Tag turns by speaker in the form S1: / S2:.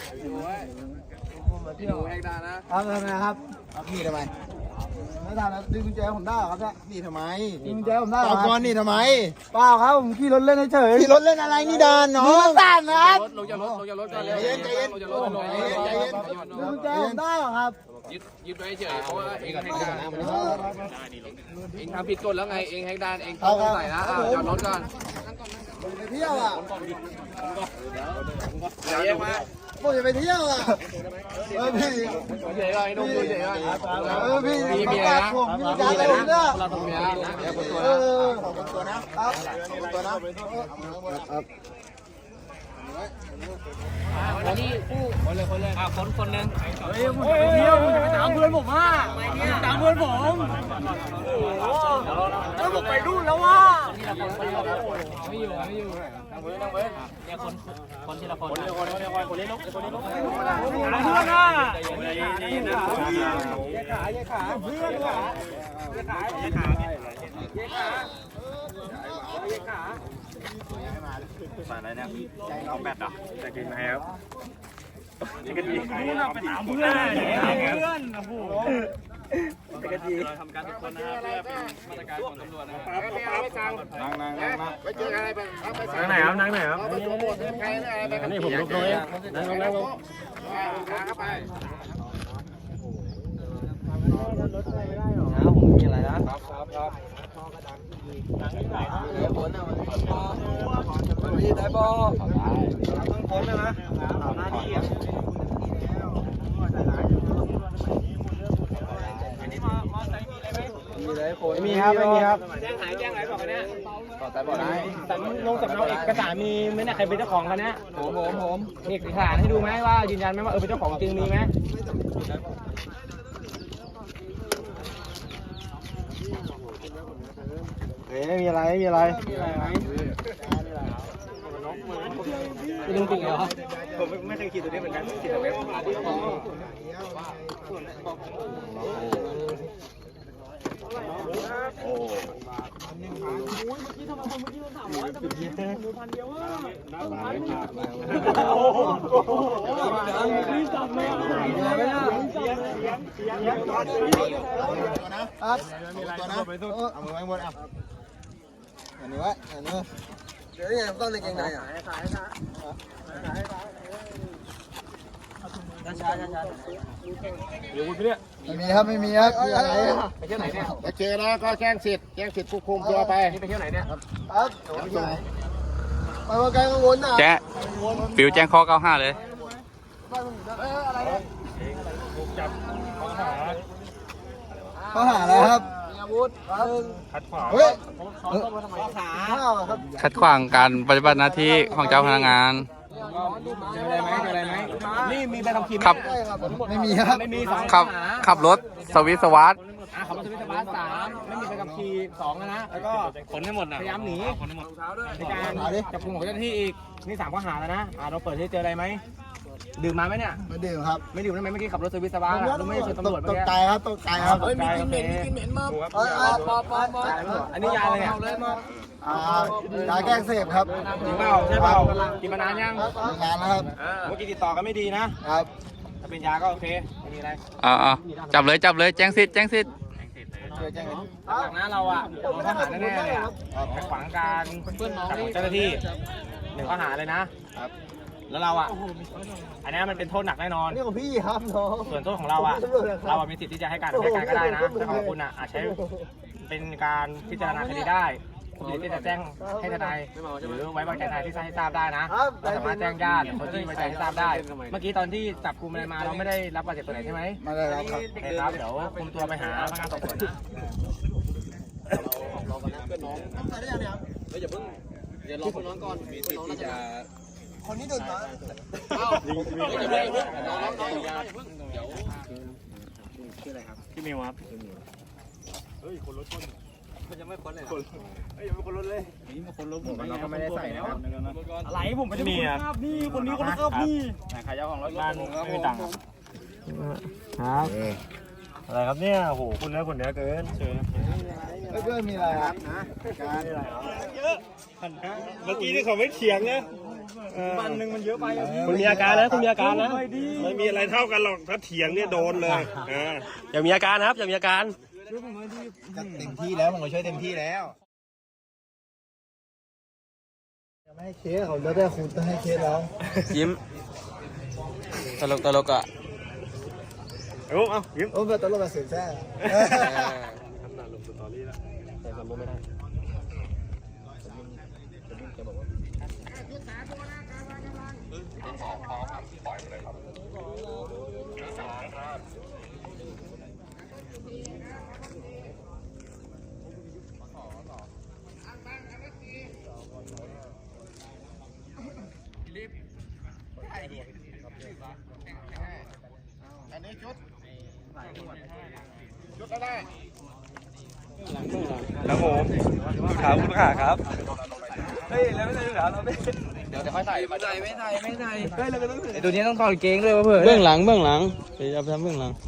S1: ดูแหกด่านะครับ
S2: ทำไมครับ
S3: นี่ทำไม
S2: ไม่ทำแล้วดึงกุญแจผมได้เหรอครับเนี่ย
S3: นี่ทำไม
S2: ดึงกุญแจผมได้เหร
S3: ต
S2: อ
S3: อบ
S2: ค
S3: ก่อ
S2: รั
S3: น
S2: บ
S3: นี่ทำไม
S2: เปล่าครับผมขี่รถเล่นเฉย
S3: พี่รถเล่นอะไรนี่ดานน้อ
S2: มือง สั่นนะครับ
S1: ลงจากรถก่อนเลย
S3: ใจเย็นใจเย็น
S1: ลงจากรถลง
S3: ใจเย็น
S2: ดึงกุญแจผมได้เหรอครับ
S1: ยึดไว้เฉยเพราะว่าเองแหกด่านเองทำผิดกฎแล้วไงเองแหกด่านเองต้องใส่นะจอดรถก่อน
S2: ไปเที่ยวอ่ะ
S1: เดี๋ยวแยกมา
S2: ผมจะไปเที่ยวอ่ะพี่
S1: เฉยๆก่อนไอ้นุ่มเฉยๆก่อน
S2: พี่
S1: มีเมียนะ
S2: ผมมีการอะไรเนี่ย
S1: เราต้องเมียนะเดี๋ยวคนตัว
S2: เอ
S1: นะ
S2: อ
S3: ขอบคุณตัวนะครับ ขอบคุณตัวนะ
S1: วันนี้ผู้คนเลยคนหนึ่ง
S2: เที่ยวผมจะไปตามเพื่อนผมอ่ะตามเพื่อนผมแล้วผมไปนู่นแล้วว่ะ
S1: ไม่อยู่เนี่ยคนทีละคนคนเล่นลุก
S2: เพื่อนอ่ะเพื่อนอ่ะ
S4: มาอะไรเนี่ยเอาแบตเหรอจะกินไหมครับจะกินดี
S2: ไปตามเพื่อนโอ้โห
S4: จะกินดีเราทำการทุกคนนะครับเพื่อเป็นมาตรการของตำรวจนะครับ
S3: นั่ง
S1: ไปเจออะไรไป
S4: นั่งไหนครับนั่งไหนครับ
S1: ใครอะไรไป
S4: นี่ผมลุกเลยนั่งลงนั่งลง
S1: ขาเข้าไป
S4: ผมมีอะไรนะ
S1: พี่ได้บอ
S4: ต้องพ้นเลยนะหน้าที่มีครับไม่มีครับ
S1: แจ้งหายบอกกันเนี่ย
S3: แต่บอกได้
S4: ลงสำเนาเอกสารมีไหมเนี่ยใครเป็นเจ้าของกันเนี่ย
S1: ผม
S4: เอกสารให้ดูไหมว่ายืนยันไหมว่าเป็นเจ้าของจริงมีไหมไม่มีอะไรไม่มีอะไรไม่ต้องติดเหรอผมไม่เคยขี่ตัวนี้เหมือนกันขี่ตัวเล็ก
S3: ตัวนะเอามือไว้บนอ่ะอันนี้ไว้อันนี้
S2: เดี๋ยวนี่ไงต้องในเกงในอ่ะไม่มีครับไม่มีครับอะไร
S1: ไปเที่ยวไหนเนี่ย
S3: ถ้าเจอแล้วก็แจ้งสิทธิ์ควบคุมตัวไป
S1: นี่ไปเที่ยวไหนเนี่ย
S2: ครับไปว่าไกลกังวลอ่ะ
S5: แจ้งฟิวแจ้งข้อ95เลย
S2: ข้อหาอะไรครับมีอาวุธเฮ้ยข้าวครับ
S5: ขัดขวางการปฏิบัติหน้าที่ของเจ้าพนักงาน
S4: เจออะไรไหมนี่มีใบขับขี่
S5: ขับ
S2: ไม่มีครับ
S4: ไม่มีสอง
S5: ขับรถสวิสวัสด
S4: ขับรถสวิตช์บาส3ไม่มีใบขับขี่2นะแล้วก็ขนให้หมดพยายามหนีในการจับกุมของเจ้าหน้าที่อีกนี่3ข้อหาแล้วนะเราเปิดที่เจออะไรไหมดื่มมาไหมเนี่ย
S2: ไม่ดื่มครับ
S4: ไม่ดื่มได้ไหมเมื่อกี้ขับรถสวิตช์บาสเราไม่ได้ชนตำรวจ
S2: ต
S4: เมื่อก กี้
S2: ใจครับตกใจครับ
S4: มีกินเหม็นมาอันนี้ยาอะไรเนี่ย
S2: ยาแก้เสพครับ
S4: จริงเปล่าใช่เปล่ากินมานานยัง
S2: งานนะครับ
S4: เมื่อกี้ติดต่อกันไม่ดีนะครับ ถ้าเป็นยาก็โอเคไม่มีอะไร
S5: จับเลยแจ้งสิทธิ์
S4: จากนั้นเราอ่ะโดนข้อหาแน่ๆเลยอ่ะขัดขวางการจับของเจ้าหน้าที่1ข้อหาเลยนะแล้วเราอ่ะอันนี้มันเป็นโทษหนักแน่นอน
S2: นี่ของพี่ครับน้อง
S4: ส่วนโทษของเราอ่ะมีสิทธิ์ที่จะให้การก็ได้นะแต่ของคุณอ่ะอาจใช้เป็นการพิจารณาคดีได้คุณมีสิทธิ์ที่จะแจ้งให้ทนายหรือไว้วางใจทนายที่ให้ทราบได้นะเราสามารถแจ้งญาติคนที่ไว้ใจให้ทราบได้ เมื่อกี้ตอนที่จับกุมอะไรมาเราไม่ได้รับบาดเจ็บตัวไหนใช่ไหม
S2: ไม่ได้รับครับ
S4: โอเคครับเดี๋ยวคุมตัวไปหาพนักงานสอบสวนนะ
S2: คนนี้ดื่มมา
S4: พี่มิวครับเราก็ไม่ได้ใส่นะครับ
S2: อะไรผมไม่ได้มีครับนี่คนนี้คนละครับนี่
S4: ขายเจ้าของรถบ้านไม่มีตังค์ครับ
S6: อะไรครับเนี่ยโอ้โหคุณเนื้อเกินเชิญ
S2: เพื่อนมีอะไรครับ
S6: เมื่อกี้นี่เขาไม่เถียงนะวันหนึ่งมันเยอะไป
S7: คุณมีอาการนะคุณมีอาการนะ
S6: ไม่มีอะไรเท่ากันหรอกถ้าเถียงเนี่ยโดนเลย
S7: อย่ามีอาการนะครับอย่ามีอาการ
S3: เต็มที่แล้วผมก็ช่วยเต็มที่แล้วไม่ให้เคสเขาแล้วแต่คุณต้องให้เคสแล้ว
S7: ยิ้มตลกอ่ะ
S6: เอายิ้ม
S3: โอ้แบบตลกแบบเสียแซ่
S7: แล้วผมถามคุณขาครับ
S1: เดี๋ยวค่อยใส่ไม่ใส่ไอตัวนี้ต้องถอดเกงด้วยวะเพื่อน
S7: เบื้องหลังเดี๋ยวจะไปทำเบื้องหลัง